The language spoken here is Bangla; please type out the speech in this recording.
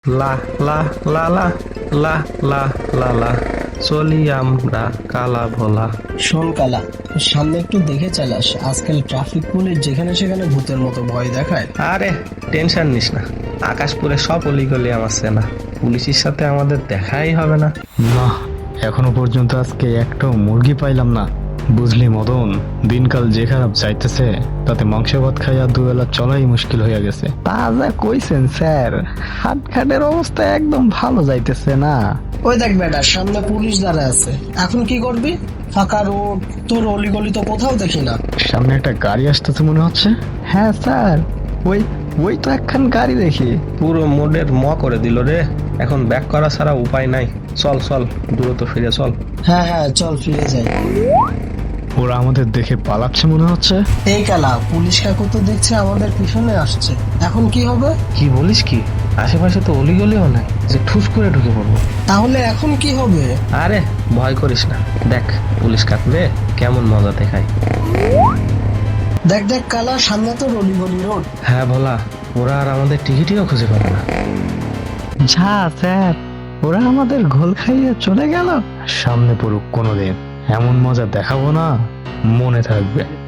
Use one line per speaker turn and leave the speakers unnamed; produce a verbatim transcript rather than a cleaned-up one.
লা লা লা লা লা লা লা লা চলি আমরা কালা ভোলা।
শোন কালা, সামনে একটু দেখে চালাস। আজকাল ট্রাফিক পুলিশ যেখানে সেখানে ভূতের মতো ভয় দেখায়।
আরে টেনশন নিস না, আকাশপুরে সব অলিগলি আমার চেনা, পুলিশের সাথে আমাদের দেখাই হবে না।
না, এখনো পর্যন্ত আজকে একটাও মুরগি পাইলাম না। বুঝলি মদন, দিনকাল যে খারাপ যাইতেছে তাতে মাংস ভাত খাইয়া দুবেলা চলাই মুশকিল হইয়া গেছে। তা যা কইছেন স্যার, হাটঘাটের অবস্থা একদম ভালো যাইতেছে না।
ওই দেখ বেটা, সামনে পুলিশ দাঁড়ায় আছে। এখন কি করবি? ফাঁকা রোড, তোর অলিগলি তো কোথাও দেখি না।
সামনে একটা গাড়ি আসতেছে মনে হচ্ছে। হ্যাঁ স্যার, ওই ওই তো একখান গাড়ি দেখি।
পুরো মোডের ম করে দিল রে, এখন ব্যাক করা ছাড়া উপায় নাই। চল চল দ্রুত ফিরে চল।
হ্যাঁ হ্যাঁ, চল ফিরে যাই।
ওরা আমাদের দেখে পালাচ্ছে মনে হচ্ছে।
এই কালা, পুলিশ কাকু তো দেখছে আমাদের পিছনে আসছে। এখন কি হবে?
কি বলিস কি? আশেপাশে তো অলিগলিও নাই যে ঠুস করে ঢুকে পড়বো।
তাহলে এখন কি হবে?
আরে ভয় করিস না, দেখ পুলিশ কাকবে কেমন মজা দেখায়।
দেখ দেখ কালা, সামনে তো অলিগলি রোড।
হ্যাঁ ভোলা, ওরা আর আমাদের টিকিটিও খুঁজে পাবে না।
যা স্যার, ওরা আমাদের ঘোল খাইয়ে চলে গেল। সামনে পড়ুক কোনোদিন, এমন মজা দেখাবো না, মনে থাকবে।